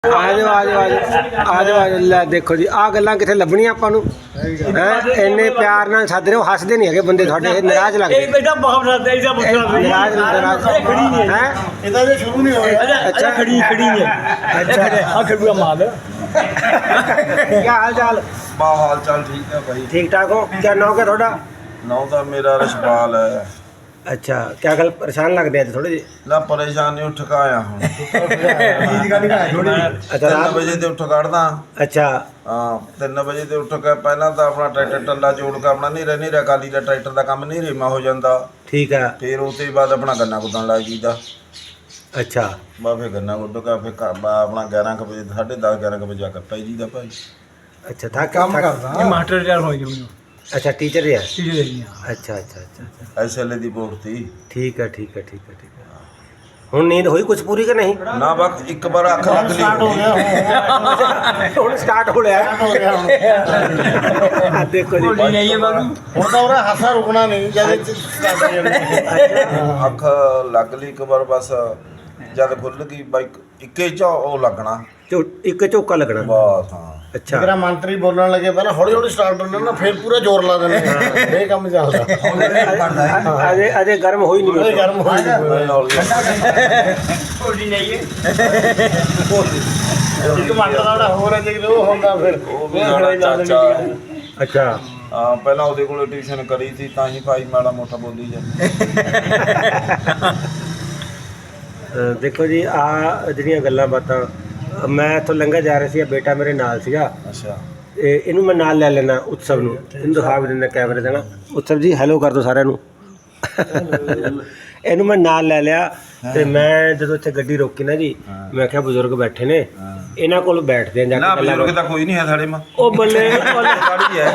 ਆ ਜਾਓ ਲੈ ਦੇਖੋ ਜੀ ਆਹ ਗੱਲਾਂ ਕਿੱਥੇ ਲੱਭਣੀਆਂ ਆਪਾਂ ਨੂੰ ਹੈ ਇੰਨੇ ਪਿਆਰ ਨਾਲ ਸੱਦ ਰਹੇ ਹੋ ਹੱਸਦੇ ਨਹੀਂ ਹੈਗੇ ਬੰਦੇ ਤੁਹਾਡੇ ਇਹ ਨਾਰਾਜ਼ ਲੱਗਦੇ ਇਹ ਬੇਟਾ ਬਹੁਤ ਲੱਗਦਾ ਇਹਦਾ ਨਾਰਾਜ਼ ਖੜੀ ਨਹੀਂ ਹੈ ਇਹਦਾ ਜੇ ਸ਼ੁਰੂ ਨਹੀਂ ਹੋਇਆ ਅੱਛਾ ਖੜੀ ਨਹੀਂ ਅੱਛਾ ਆ ਖੜੂਆ ਮਾਲ ਕੀ ਹਾਲ ਚਾਲ ਬਾ ਹਾਲ ਚਾਲ ਠੀਕ ਹੈ ਭਾਈ ਠੀਕ ਠਾਕ ਹੋ क्या नाम है ਤੁਹਾਡਾ ਨਾਮ ਤਾਂ ਮੇਰਾ ਰਸ਼ਪਾਲ ਹੈ अच्छा क्या गल परेशान लगते हैं थोड़े जी ਨਾ ਪਰੇਸ਼ਾਨ ਨਹੀਂ ਉੱਠ ਕਾਇਆ ਹੁਣ अच्छा 3 रात ਵਜੇ ਤੇ ਉੱਠ ਕੱਢਦਾ अच्छा ਹਾਂ 3 ਵਜੇ ਤੇ ਉੱਠ ਕੇ ਪਹਿਲਾਂ ਤਾਂ ਆਪਣਾ ਟਰੈਕਟਰ ਟੱਲਾ ਜੋੜ ਕੇ ਆਪਣਾ ਨੀਰਾ ਕਾਲੀ ਦਾ ਟਰੈਕਟਰ ਦਾ ਕੰਮ ਨੀਰੇਮਾ ਹੋ ਜਾਂਦਾ ठीक है ਫਿਰ ਉਸ ਤੋਂ ਬਾਅਦ ਆਪਣਾ ਗੰਨਾ ਕੁੱਟਣ ਲੱਗ ਜੀਦਾ अच्छा ਬਾ ਫਿਰ ਗੰਨਾ ਕੁੱਟ ਕੇ ਫਿਰ ਆਪਣਾ 11 ਕੁ ਵਜੇ 10:30 11 ਕੁ ਵਜੇ ਆ ਕੇ ਪੈ ਜੀਦਾ ਭਾਈ अच्छा था काम करता ਇਹ ਮਾਸਟਰ ਰਿਟਾਇਰ ਹੋ ਗਿਆ ਮੈਨੂੰ अच्छा टीचर है ਟੀਚਰ ਹੈ ਜੀ अच्छा अच्छा अच्छा अच्छा ਐਸਐਲਏ ਦੀ ਪੋਸਟ ਸੀ ठीक है ठीक है ठीक है ठीक है ਹੁਣ ਨੀਂਦ ਹੋਈ ਕੁਝ ਪੂਰੀ ਕਿ ਨਹੀਂ ਨਾ ਬਸ ਇੱਕ ਵਾਰ ਅੱਖ ਲੱਗ ਲਈ ਹੁਣ ਸਟਾਰਟ ਹੋ ਲਿਆ ਦੇਖੋ ਜੀ ਬੋਲੀ ਨਹੀਂ ਹੈ ਬਾਬੂ ਹੁਣ ਤਾਂ ਉਹਦਾ ਹਾਸਾ ਰੁਕਣਾ ਨਹੀਂ ਜਦ ਅੱਖ ਲੱਗ ਲਈ ਇੱਕ ਵਾਰ ਬਸ ਜਦ ਖੁੱਲ ਗਈ ਬਾਈਕ ਇੱਕੇ ਚ ਉਹ ਲੱਗਣਾ ਇੱਕ ਝੋਕਾ ਲੱਗਣਾ ਬਸ ਹਾਂ ਅੱਛਾ ਮੇਰਾ ਮੰਤਰੀ ਬੋਲਣ ਲੱਗੇ ਪਹਿਲਾਂ ਹੌਲੀ ਹੌਲੀ ਸਟਾਰਟ ਹੋਣਾ ਨਾ ਫਿਰ ਪੂਰਾ ਜ਼ੋਰ ਲਾ ਦੇਣਾ ਇਹ ਕੰਮ ਚੱਲਦਾ ਅਜੇ ਗਰਮ ਹੋਈ ਨਹੀਂ ਇਹ ਗਰਮ ਹੋ ਜਾਂਦਾ ਬੋਲੀ ਨਹੀਂ ਹੈ ਇੱਕ ਮੰਟਾ ਦਾ ਹੋਰ ਹੈ ਜੇ ਉਹ ਹੁੰਦਾ ਫਿਰ ਉਹ ਵੀ ਸਾਡਾ ਚਾਚਾ ਅੱਛਾ ਹਾਂ ਪਹਿਲਾਂ ਉਹਦੇ ਕੋਲ ਟਿਊਸ਼ਨ ਕਰੀ ਸੀ ਤਾਂ ਹੀ ਭਾਈ ਮਾੜਾ ਮੋਟਾ ਬੋਲੀ ਜਾਂਦਾ ਦੇਖੋ ਜੀ ਆ ਜਿਹੜੀਆਂ ਗੱਲਾਂ ਬਾਤਾਂ ਮੈਂ ਇੱਥੋਂ ਲੰਘਾ ਜਾ ਰਿਹਾ ਸੀ ਬੇਟਾ ਮੇਰੇ ਨਾਲ ਸੀਗਾ ਅੱਛਾ ਇਹਨੂੰ ਮੈਂ ਨਾਲ ਲੈ ਲੈਣਾ ਉਤਸਵ ਨੂੰ ਇਹਨੂੰ ਦਿਖਾ ਵੀ ਦਿੰਦਾ ਕੈਮਰੇ ਦੇਣਾ ਉਤਸਵ ਜੀ ਹੈਲੋ ਕਰ ਦਿਓ ਸਾਰਿਆਂ ਨੂੰ ਇਹਨੂੰ ਮੈਂ ਨਾਲ ਲੈ ਲਿਆ ਤੇ ਮੈਂ ਜਦੋਂ ਇੱਥੇ ਗੱਡੀ ਰੋਕੀ ਨਾ ਜੀ ਮੈਂ ਕਿਹਾ ਬਜ਼ੁਰਗ ਬੈਠੇ ਨੇ ਇਹਨਾਂ ਕੋਲ ਬੈਠਦੇ ਆ ਜਾ ਨਾ ਕੇ ਗੱਲਾਂ ਬਜ਼ੁਰਗ ਤਾਂ ਕੋਈ ਨਹੀਂ ਹੈ ਸਾਡੇ ਮਾ ਉਹ ਬੱਲੇ ਕਾੜੀ ਹੈ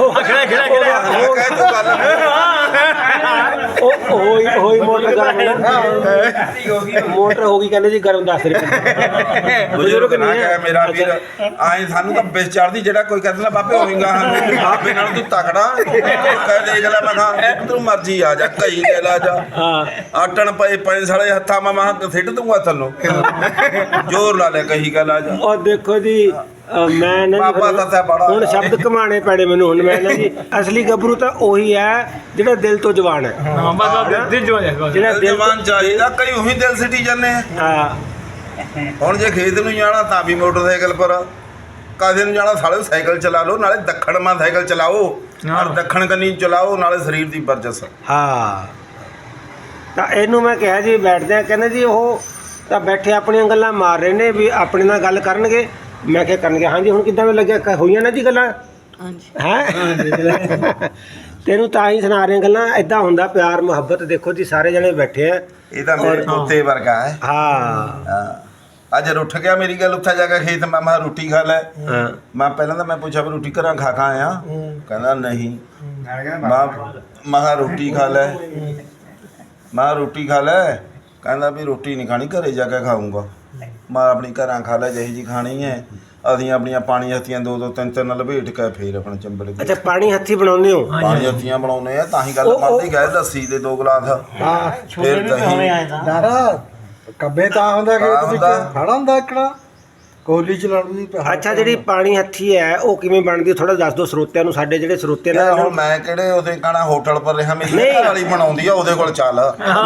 ਹੋਈ ਮੋਟਰ ਗਰਮ ਮੋਟਰ ਹੋ ਗਈ ਕਹਿੰਦੇ ਜੀ ਗਰਮ ਦੱਸ ਰਹੇ ਬਜ਼ੁਰਗ ਨਾ ਕਹੇ ਮੇਰਾ ਵੀਰ ਆਏ ਸਾਨੂੰ ਤਾਂ ਬਿਸ ਚੜਦੀ ਜਿਹੜਾ ਕੋਈ ਕਹਿੰਦਾ ਨਾ ਬਾਬੇ ਹੋਵੇਗਾ ਸਾਨੂੰ ਬਾਬੇ ਨਾਲ ਤੂੰ ਤਕੜਾ ਕਹਿ ਦੇਖ ਲੈ ਮੈਂ ਕਿਹਾ ਤੂੰ ਮਰਜੀ ਆ ਜਾ ਕਈ ਲੈ ਲਾ ਜਾ ਹਾਂ ਆਟਣ ਪਏ ਪਏ ਸਾਲੇ ਹੱਥਾਂ ਮੈਂ ਸਿੱਟ ਦੂੰਗਾ ਥੱਲੋਂ ਜ਼ੋਰ ਲਾ ਲੈ ਕਹੀ ਗੱਲ ਆ ਜਾ ਉਹ ਦੇਖੋ ਜੀ ਮੈਂ ਨਾ ਬਾਬਾ ਤਾਂ ਬੜਾ ਹੁਣ ਸ਼ਬਦ ਕਮਾਣੇ ਪੈਣੇ ਮੈਨੂੰ ਹੁਣ ਮੈਂ ਨਾ ਜੀ ਅਸਲੀ ਗੱਭਰੂ ਤਾਂ ਉਹੀ ਹੈ ਜਿਹੜਾ ਦਿਲ ਤੋਂ ਜਵਾਨ ਹੈ ਹਾਂ ਬਸ ਦਿਲ ਜੋ ਹੈ ਜਿਹੜਾ ਦਿਲ ਜਵਾਨ ਚਾਹੀਦਾ ਕਈ ਉਹੀ ਦਿਲ ਸਿੱਟੀ ਜਾਂਦੇ ਆ ਹਾਂ ਹੁਣ ਜੇ ਖੇਤ ਨੂੰ ਜਾਣਾ ਤਾਂ ਵੀ ਮੋਟਰਸਾਈਕਲ ਪਰ ਕਾਦੇ ਨੂੰ ਜਾਣਾ ਸਾਲੇ ਸਾਈਕਲ ਚਲਾ ਲਓ ਨਾਲੇ ਦੱਖਣ ਮਾ ਸਾਈਕਲ ਚਲਾਓ ਔਰ ਦੱਖਣ ਕੰਨੀ ਚਲਾਓ ਨਾਲੇ ਸਰੀਰ ਦੀ ਵਰਜਸ ਹਾਂ ਤਾਂ ਇਹਨੂੰ ਮੈਂ ਕਿਹਾ ਜੀ ਬੈਠਦੇ ਆ ਕਹਿੰਦੇ ਜੀ ਉਹ ਤਾਂ ਬੈਠੇ ਆਪਣੀਆਂ ਗੱਲਾਂ ਮਾਰ ਰਹੇ ਨੇ ਵੀ ਆਪਣੇ ਨਾਲ ਗੱਲ ਕਰਨਗੇ ਮੈਂ ਕਿਹਾ ਕਰਨਗੇ ਹਾਂਜੀ ਹੁਣ ਕਿੱਦਾਂ ਲੱਗਿਆ ਹੋਈਆਂ ਨਾ ਜੀ ਗੱਲਾਂ ਹਾਂਜੀ ਹੈ ਤੈਨੂੰ ਤਾਂ ਹੀ ਸੁਣਾ ਰਹੇ ਗੱਲਾਂ ਇਦਾਂ ਹੁੰਦਾ ਪਿਆਰ ਮੁਹੱਬਤ ਦੇਖੋ ਜੀ ਸਾਰੇ ਜਣੇ ਬੈਠੇ ਆ ਇਹ ਤਾਂ ਮੇਰੇ ਪੋਤੇ ਵਰਗਾ ਹੈ ਹਾਂ ਅੱਜ ਉੱਠ ਗਿਆ ਮੇਰੀ ਗੱਲ ਉੱਥੇ ਜਾ ਕੇ ਖੇਤ ਮੈਂ ਰੋਟੀ ਖਾ ਲੈ ਹਾਂ ਮੈਂ ਪਹਿਲਾਂ ਤਾਂ ਮੈਂ ਪੁੱਛਿਆ ਵੀ ਰੋਟੀ ਘਰਾਂ ਖਾ ਆਇਆ ਕਹਿੰਦਾ ਨਹੀਂ ਮੈਂ ਰੋਟੀ ਖਾ ਲੈ ਮੈਂ ਰੋਟੀ ਖਾ ਲੈ ਕਹਿੰਦਾ ਵੀ ਰੋਟੀ ਨਹੀਂ ਖਾਣੀ ਘਰੇ ਜਾ ਕੇ ਖਾਊਂਗਾ ਮੈਂ ਆਪਣੀ ਘਰਾਂ ਖਾ ਲੈ ਜਿਹੀ ਜੀ ਖਾਣੀ ਹੈ ਅਸੀਂ ਆਪਣੀਆਂ ਪਾਣੀ ਹੱਥੀਆਂ 2-2 3-3 ਲਪੇਟ ਕੇ ਫੇਰ ਆਪਣਾ ਚੰਬਲ ਅੱਛਾ ਪਾਣੀ ਹੱਥੀ ਬਣਾਉਂਦੇ ਹੋ ਪਾਣੀ ਹੱਥੀਆਂ ਬਣਾਉਨੇ ਆ ਤਾਂ ਹੀ ਗੱਲ ਬਣਦੀ ਗਏ ਲੱਸੀ ਦੇ 2 ਗਲਾਸ ਹਾਂ ਫਿਰ ਦਹੀਂ ਦਾਦਾ ਕੱਬੇ ਤਾਂ ਹੁੰਦਾ ਕਿ ਤੁਸੀਂ ਖੜਾ ਹੁੰਦਾ ਇਕੜਾ ਕੋਲੀ ਚਲਾਉਣ ਦੀ ਅੱਛਾ ਜਿਹੜੀ ਪਾਣੀ ਹੱਥੀ ਹੈ ਉਹ ਕਿਵੇਂ ਬਣਦੀ ਥੋੜਾ ਦੱਸ ਦਿਓ ਸਰੋਤਿਆਂ ਨੂੰ ਸਾਡੇ ਜਿਹੜੇ ਸਰੋਤੇ ਨੇ ਹੁਣ ਮੈਂ ਕਿਹੜੇ ਉਹਦੇ ਕਹਣਾ ਹੋਟਲ ਪਰ ਰਿਹਾ ਮੇਰੀ ਘਰ ਵਾਲੀ ਬਣਾਉਂਦੀ ਆ ਉਹਦੇ ਕੋਲ ਚੱਲ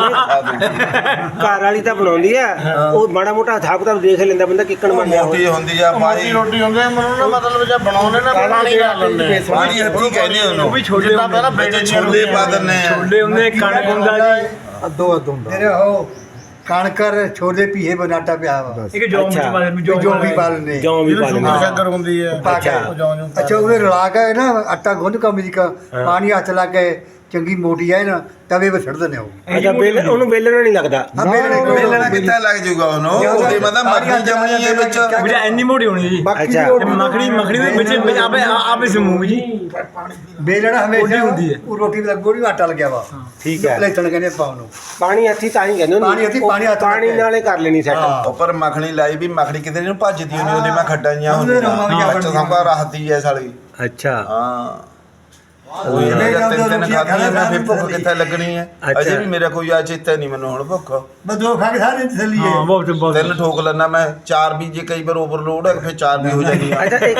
ਘਰ ਵਾਲੀ ਤਾਂ ਬਣਾਉਂਦੀ ਆ ਉਹ ਮਾੜਾ ਮੋਟਾ ਹਿਸਾਬ ਕਿਤਾਬ ਦੇਖ ਲੈਂਦਾ ਬੰਦਾ ਕਿੱਕਣ ਬਣਿਆ ਮੋਟੀ ਹੁੰਦੀ ਆ ਭਾਈ ਰੋਟੀ ਹੁੰਦੇ ਮੈਨੂੰ ਨਾ ਮਤਲਬ ਜੇ ਬਣਾਉਣੇ ਨਾ ਪਾਣੀ ਕਰ ਲੈਂਦੇ ਪਾਣੀ ਹੱਥੀ ਕਹਿੰਦੇ ਉਹਨੂੰ ਉਹ ਵੀ ਛੋਲੇ ਜਿੱਦਾਂ ਪਹਿਲਾਂ ਬੇੜੇ ਛੋਲੇ ਪਾ ਦਿੰਨੇ ਆ ਛੋਲੇ ਹੁੰਦੇ ਕਣਕ ਹੁੰਦਾ ਜੀ ਅੱਧੋ ਅੱਧ ਹੁੰਦਾ ਮੇਰੇ ਉਹ ਕਣਕਰ ਛੋਲੇ ਪੀਏ ਬਨਾਟਾ ਪਿਆ ਵਾ ਇੱਕ ਜੌਂ ਵਿੱਚ ਪਾ ਦੇ ਜੋ ਵੀ ਪਾ ਲੈਂਦੇ ਜੌਂ ਵੀ ਪਾ ਲੈਂਦੇ ਸ਼ੱਕਰ ਹੁੰਦੀ ਹੈ ਅੱਛਾ ਉਹਨੇ ਰਲਾ ਕੇ ਨਾ ਆਟਾ ਗੁੰਨ ਕੇ ਅਮਰੀਕਾ ਪਾਣੀ ਹੱਥ ਲਾ ਕੇ ਚੰਗੀ ਮੋਟੀ ਹੈ ਨਾ ਤਵੇ 'ਤੇ ਛੱਡ ਦਿੰਦੇ ਉਹ ਅੱਛਾ ਉਹਨੂੰ ਵੇਲਣਾ ਨਹੀਂ ਲੱਗਦਾ ਮੇਲਣਾ ਕਿੱਥੇ ਲੱਗ ਜਾਊਗਾ ਉਹਨੂੰ ਉਹਦੇ ਮਤਲਬ ਮੱਖਣੀ ਜਮਣੀ ਹੈ ਵਿੱਚ ਵੀਰੇ ਇੰਨੀ ਮੋਟੀ ਹੋਣੀ ਜੀ ਬਾਕੀ ਅੱਛਾ। ਮੱਖਣੀ ਦੇ ਵਿੱਚ ਆਪੇ ਸਮੂਹ ਜੀ ਬੇਲਣਾ ਹਮੇਸ਼ਾ ਹੁੰਦੀ ਹੈ। ਉਹ ਰੋਟੀ ਲੱਗੋ ਨਹੀਂ ਆਟਾ ਲੱਗਿਆ ਵਾ ਠੀਕ ਹੈ ਲੈਤਣ ਕਹਿੰਦੇ ਪਾਉ ਨੂੰ ਪਾਣੀ ਹੱਥੀ ਤਾਂ ਹੀ ਕਹਿੰਦੇ ਪਾਣੀ ਹੱਥੀਂ, ਪਾਣੀ ਹੱਥ ਪਾਣੀ ਲੱਗੇ। ਨਾਲੇ ਕਰ ਲੈਣੀ ਸੈੱਟ ਹਾਂ। ਉੱਪਰ ਮੱਖਣੀ ਲਾਈ ਵੀ ਮੱਖਣੀ ਕਿਤੇ ਨੂੰ ਭੱਜਦੀ ਹੁੰਦੀ ਉਹਦੇ ਮੈਂ ਖੱਡਾਂ ਜੀਆਂ ਉਹਦੇ ਰੋਮਾਂ ਦੀਆਂ ਹੁੰਦੀਆਂ ਬੱਚਾ ਸੰਭਾ ਰੱਖਦੀ ਐ ਸਾਲੀ ਅੱਛਾ ਹਾਂ ਉਹਨੇ ਜਾਂ ਤਿੰਨ ਤਿੰਨ ਖਾਧੀਆਂ ਮੈਂ ਫਿਰ ਭੁੱਖ ਕਿੱਥੇ ਲੱਗਣੀ ਹੈ ਅਜੇ ਵੀ ਮੇਰਾ ਕੋਈ ਆ ਚੇਤਾ ਨਹੀਂ ਮੈਨੂੰ ਹੁਣ ਭੁੱਖ ਬਸ 2 ਖਾ ਕੇ ਸਾਰੇ ਤਸੱਲੀ ਹੈ ਹਾਂ ਬਹੁਤ ਬਹੁਤ ਤਿੰਨ ਠੋਕ ਲੈਣਾ ਮੈਂ 4 ਵੀ ਜੇ ਕਈ ਵਾਰ ਓਵਰਲੋਡ ਹੈ ਫਿਰ 4 ਵੀ ਹੋ ਜਾਂਦੀ ਆ ਅੱਛਾ ਇੱਕ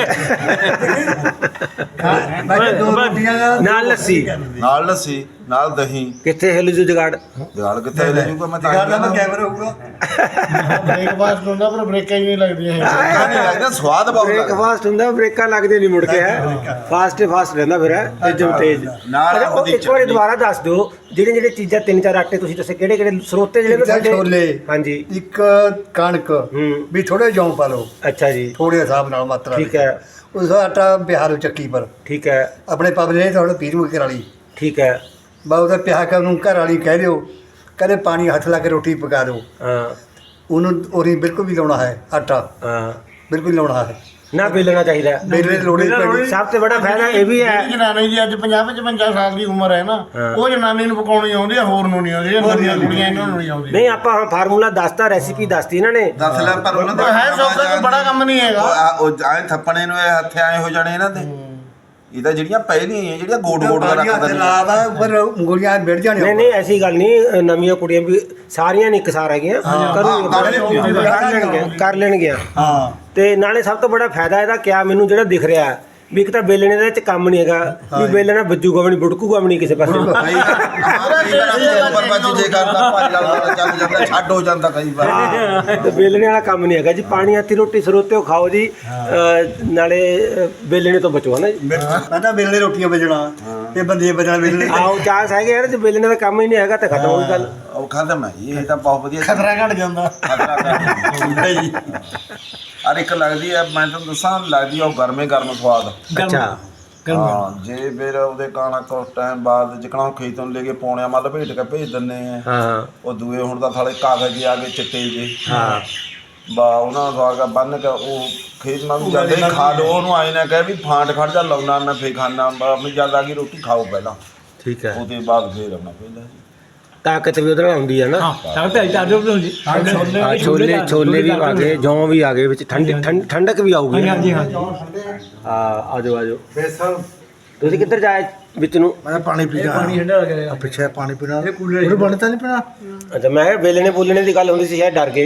ਮੈਂ ਕਿਹਾ 2 ਰੋਟੀਆਂ ਨਾਲ ਲੱਸੀ ਨਾਲ ਲੱਸੀ ਨਾਲ ਦਹੀਂ ਕਿੱਥੇ ਹਿੱਲ ਜੂ ਜਗਾੜ ਦਿਵਾਲ ਕਿੱਥੇ ਲੈ ਜੂਗਾ ਮੈਂ ਤਾਂ ਜਗਾੜ ਦਾ ਮੈਂ ਕੈਮਰਾ ਹੋਊਗਾ ਬ੍ਰੇਕਫਾਸਟ ਹੁੰਦਾ ਪਰ ਬ੍ਰੇਕਾਂ ਹੀ ਨਹੀਂ ਲੱਗਦੀਆਂ ਚੰਗਾ ਨਹੀਂ ਲੱਗਦਾ ਸਵਾਦ ਬਹੁਤ ਲੱਗਦਾ ਬ੍ਰੇਕਫਾਸਟ ਹੁੰਦਾ ਬ੍ਰੇਕਾਂ ਲੱਗਦੇ ਨਹੀਂ ਮੁੜ ਕੇ ਹੈ ਫਾਸਟ ਰਹਿੰਦਾ ਫਿਰ ਤੇਜ਼ਮ ਤੇਜ਼ ਨਾਲ ਅੱਛਾ, ਉਹ ਇੱਕ ਵਾਰੀ ਦੁਬਾਰਾ ਦੱਸ ਦਿਓ ਜਿਹੜੇ ਚੀਜ਼ਾਂ 3-4 ਆਟੇ ਤੁਸੀਂ ਦੱਸੇ ਕਿਹੜੇ ਸਰੋਤੇ ਜਿਹੜੇ ਇੱਕ ਤਾਂ ਛੋਲੇ ਹਾਂਜੀ ਇੱਕ ਕਣਕ ਹੂੰ ਵੀ ਥੋੜੇ ਜੌਂ ਪਾ ਲਓ ਅੱਛਾ ਜੀ ਥੋੜੇ ਹਿਸਾਬ ਨਾਲ ਮਾਤਰਾ ਠੀਕ ਹੈ ਉਸ ਦਾ ਆਟਾ ਬਿਹਾਰੋਂ ਚੱਕੀ ਪਰ ਠੀਕ ਹੈ ਆਪਣੇ ਪਬਲੇ ਥੋੜਾ ਪੀਰੂ ਘਰ ਵਾਲੀ ਠੀਕ ਹੈ ਬਾ ਉਹਦਾ ਪਿਆ ਕੇ ਉਹਨੂੰ ਘਰ ਵਾਲੀ ਕਹਿ ਦਿਓ ਕਹਿੰਦੇ ਪਾਣੀ ਹੱਥ ਲਾ ਕੇ ਰੋਟੀ ਪਕਾ ਦਿਓ ਹਾਂ ਉਹਨੂੰ ਉਹਨੇ ਬਿਲਕੁਲ ਵੀ ਲਾਉਣਾ ਹੈ ਆਟਾ ਹਾਂ ਬਿਲਕੁਲ ਲਾਉਣਾ ਹੈ ਨਾ ਬੇਲਣਾ ਚਾਹੀਦਾ ਮੇਰੇ ਲੋੜੇ ਪੈਣੀ ਸਭ ਤੋਂ ਬੜਾ ਫਾਇਦਾ ਇਹ ਵੀ ਹੈ ਜਿਹੜੀ ਜਨਾਨੀ ਦੀ ਅੱਜ 50-55 ਸਾਲ ਦੀ ਉਮਰ ਹੈ ਨਾ ਉਹ ਜਨਾਨੀ ਨੂੰ ਪਕਾਉਣੀ ਆਉਂਦੀ ਹੈ ਹੋਰ ਨੂੰ ਨਹੀਂ ਆਉਂਦੀ ਇਹ ਨਵੀਆਂ ਕੁੜੀਆਂ ਇਹਨਾਂ ਨੂੰ ਨਹੀਂ ਆਉਂਦੀ ਨਹੀਂ ਆਪਾਂ ਹਾਂ ਫਾਰਮੂਲਾ ਦੱਸਤਾ ਰੈਸਿਪੀ ਦੱਸਤੀ ਇਹਨਾਂ ਨੇ ਦੱਸ ਲੈ ਪਰ ਉਹਨਾਂ ਦਾ ਹੈ ਸੌਖਾ ਕੋਈ ਬੜਾ ਕੰਮ ਨਹੀਂ ਹੈਗਾ ਉਹ ਆਏ ਥੱਪਣੇ ਨੂੰ ਇਹ ਹੱਥੇ ਆਏ ਹੋ ਜਾਣੇ ਇਹਨਾਂ ਦੇ ਇਹ ਤਾਂ ਜਿਹੜੀਆਂ ਪਹਿਲੀਆਂ ਜਿਹੜੀਆਂ ਗੋਡ ਗੋਡ ਕਰ ਪਾਣੀ ਹੱਥ ਰੱਖਦੇ ਲਾ ਵਾ ਉੱਪਰ ਉਂਗਲੀਆਂ ਮਿੜ ਨਹੀਂ ਜਾਣੀਆਂ ਨਹੀਂ ਐਸੀ ਗੱਲ ਨਹੀਂ ਨਵੀਆਂ ਕੁੜੀਆਂ ਵੀ ਸਾਰੀਆਂ ਨਹੀਂ ਇਕਸਾਰ ਹੈਗੀਆਂ ਕਰ ਲੈਣਗੀਆਂ ਹਾਂ ਤੇ ਨਾਲੇ ਸਭ ਤੋਂ ਬੜਾ ਫਾਇਦਾ ਇਹਦਾ ਕਿਆ ਮੈਨੂੰ ਜਿਹੜਾ ਦਿਖ ਰਿਹਾ ਹੈ, ਵੀ ਇੱਕ ਤਾਂ ਬੇਲਣੇ ਦੇ ਵਿੱਚ ਕੰਮ ਨਹੀਂ ਹੈਗਾ ਵੀ ਬੇਲਣਾ ਵੱਜੂਗਾ ਵੀ ਨਹੀਂ ਬੁੜਕੂਗਾ ਵੀ ਨਹੀਂ ਕਿਸੇ ਪਾਸੇ ਪਰ ਬੱਚ ਜੇ ਕਰਦਾ ਭੱਜ ਜਾਂਦਾ ਚੱਲ ਜਾਂਦਾ ਛੱਡ ਹੋ ਜਾਂਦਾ ਕਈ ਵਾਰ ਹਾਂ, ਤੇ ਬੇਲਣੇ ਵਾਲਾ ਕੰਮ ਨਹੀਂ ਹੈਗਾ ਜੀ ਪਾਣੀ ਹੱਥੀ ਰੋਟੀ ਸਰੋਤੇ ਹੋ ਖਾਓ ਜੀ ਨਾਲੇ ਬੇਲਣੇ ਤੋਂ ਬਚੋ ਨਾ ਜੀ ਮੈਂ ਤਾਂ ਵੇਲੇ ਰੋਟੀਆਂ ਵੇਚਣਾ ਤੇ ਬੰਦੇ ਬਚਣਾ ਵੇਲੇ ਆਓ ਚਾਂਸ ਹੈਗੇ ਯਾਰ ਜੇ ਬੇਲਣੇ ਦਾ ਕੰਮ ਹੀ ਨਹੀਂ ਹੈਗਾ ਤਾਂ ਖਤਮ ਹੋ ਗਈ ਗੱਲ ਉਹ ਖਤਮ ਹੈ ਇਹ ਤਾਂ ਬਹੁਤ ਵਧੀਆ ਖਤਰਾ ਘਟ ਜਾਂਦਾ ਖਤਰਾ ਕਰ ਅਰ ਇੱਕ ਲੱਗਦੀ ਹੈ ਮੈਂ ਤੁਹਾਨੂੰ ਦੱਸਾਂ ਲੱਗਦੀ ਆ ਉਹ ਗਰਮੇ ਗਰਮ ਸਵਾਦ ਅੱਛਾ ਹਾਂ ਜੇ ਫਿਰ ਉਹਦੇ ਕਾਣਾ ਕੁਛ ਟਾਈਮ ਬਾਅਦ ਜਿਕਣਾ ਖੇਤੋਂ ਲੈ ਕੇ ਪੌਣਿਆਂ ਮੱਲ ਭੇਟ ਕੇ ਭੇਜ ਦਿੰਨੇ ਆ ਹਾਂ ਉਹ ਦੂਏ ਹੁਣ ਤਾਂ ਸਾਲੇ ਕਾਗਜ਼ ਜਿਹੇ ਆ ਗਏ ਚਿੱਟੇ ਜੇ ਹਾਂ ਬਾ ਉਹਨਾਂ ਨੂੰ ਸਵਾਗਾ ਬੰਨ ਕੇ ਉਹ ਖੇਤ ਨਾਲ ਜਾਂਦੇ ਹੀ ਖਾ ਲਓ ਉਹਨੂੰ ਆਏ ਨਾ ਕਹੇ ਵੀ ਫਾਂਟ ਖੜ ਜਾ ਲਾਉਣਾ ਮੈਂ ਫੇਰ ਖਾਣਾ ਮੈਂ ਜਦ ਆ ਗਈ ਰੋਟੀ ਖਾਓ ਪਹਿਲਾਂ ਠੀਕ ਹੈ ਉਹਦੇ ਬਾਅਦ ਫੇਰ ਆਪਣਾ ਪਹਿਲਾਂ ਤਾਕਤ ਵੀ ਉਹਦੇ ਨਾਲ ਆਉਂਦੀ ਹੈ ਨਾ ਤਾਂ ਤਾਂ ਚਾਰ ਹੁੰਦੀ ਹਾਂ, ਛੋਲੇ ਵੀ ਆ ਗਏ ਜੌਂ ਵੀ ਆ ਗਏ ਵਿੱਚ ਠੰਡਕ ਵੀ ਆਊਗੀ ਹਾਂਜੀ ਹਾਂਜੀ ਆਜੋ ਤੁਸੀਂ ਕਿੱਧਰ ਜਾਏ ਵਿੱਚ ਨੂੰ ਮੈਂ ਪਾਣੀ ਪੀ ਜਾ ਪਾਣੀ ਠੰਡਾ ਲੱਗ ਰਿਹਾ ਪਿੱਛੇ ਪਾਣੀ ਪੀਣਾ ਉਹਨੂੰ ਬਣ ਤਾਂ ਨਹੀਂ ਪੀਣਾ ਅੱਛਾ ਮੈਂ ਕਿਹਾ ਬੇਲਣੇ ਬੋਲਣੇ ਦੀ ਗੱਲ ਹੁੰਦੀ ਸੀ ਸ਼ਾਇਦ ਡਰ ਗਏ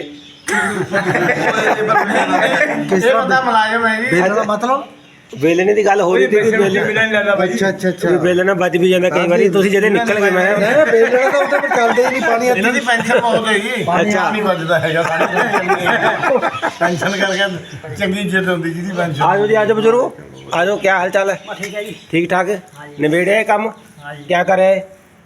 ਇਹ ਬੰਦਾ ਮੁਲਾਜ਼ਮ ਹੈ ਜੀ ਇਹਦਾ ਮਤਲਬ ਬੇਲਣੇ ਦੀ ਗੱਲ ਹੋ ਰਹੀ ਸੀ ਕਿ ਬੇਲਣੇ ਨਹੀਂ ਲੱਗਦਾ ਅੱਛਾ ਅੱਛਾ ਅੱਛਾ ਵੀ ਬੇਲਣਾ ਵੱਜ ਵੀ ਜਾਂਦਾ ਕਈ ਵਾਰੀ ਤੁਸੀਂ ਜਦੋਂ ਨਿਕਲ ਗਏ ਮੈਂ ਕਿਹਾ, ਨਹੀਂ ਬੇਲਣਾ ਤਾਂ ਉੱਤੇ ਚੱਲਦੇ ਹੀ ਨਹੀਂ ਪਾਣੀ ਇਹਨਾਂ ਦੀ ਪੈਨਸ਼ਨ ਬਹੁਤ ਹੈ ਜੀ ਅੱਛਾ। ਨਹੀਂ ਵੱਜਦਾ ਹੈਗਾ ਪੈਨਸ਼ਨ ਕਰਕੇ ਚੰਗੀ ਇੱਜ਼ਤ ਹੁੰਦੀ ਜਿਹਦੀ ਪੈਨਸ਼ਨ ਆਜੋ ਜੀ ਆਜੋ ਬਜ਼ੁਰਗੋ ਆਜੋ ਕੀ ਹਾਲ ਚਾਲ ਹੈ ਠੀਕ ਹੈ ਜੀ ਠੀਕ ਠਾਕ ਨਿਬੇੜਿਆ ਇਹ ਕੰਮ ਕੀ ਕਰ ਰਹੇ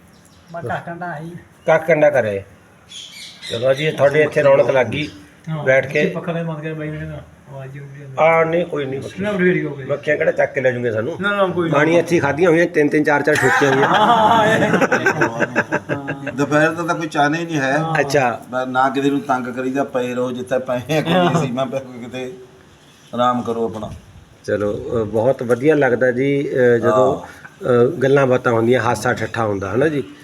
ਕੱਖ ਕੰਡਾ ਕਰ ਰਹੇ ਚਲੋ ਜੀ ਤੁਹਾਡੇ ਇੱਥੇ ਰੌਣਕ ਲੱਗ ਗਈ ਬੈਠ ਕੇ ਪੱਖਾ ਦੇ ਮੰਗ ਕੇ ਬਾਈ ਨੇ ਆਵਾਜ਼ ਜੀ ਨਹੀਂ ਕੋਈ ਨਹੀਂ ਨਾ ਵੀਡੀਓ ਹੋ ਗਈ ਮੱਖੀਆਂ ਕਿਹੜਾ ਚੱਕ ਕੇ ਲੈ ਜੂਗੇ ਸਾਨੂੰ ਨਾ ਕੋਈ ਪਾਣੀ ਅੱਛੀ ਖਾਧੀਆਂ ਹੋਈਆਂ 3-3 4-4 ਠੋਕੀਆਂ ਹੋਈਆਂ ਦੁਪਹਿਰ ਦਾ ਤਾਂ ਕੋਈ ਚਾਹਨਾ ਹੀ ਨਹੀਂ ਹੈ ਅੱਛਾ ਬਸ ਨਾ ਕਿਸੇ ਨੂੰ ਤੰਗ ਕਰੀਦਾ ਪਏ ਰਹੋ ਜਿੱਥੇ ਪਏ ਆ ਕੋਈ ਸੀਮਾ ਪੈ ਕੋਈ ਕਿਤੇ ਆਰਾਮ ਕਰੋ ਆਪਣਾ ਚਲੋ ਬਹੁਤ ਵਧੀਆ ਲੱਗਦਾ ਜੀ ਜਦੋਂ ਗੱਲਾਂ ਬਾਤਾਂ ਹੁੰਦੀਆਂ ਹਾਸਾ ਠੱਠਾ ਹੁੰਦਾ ਹੈ ਨਾ ਜੀ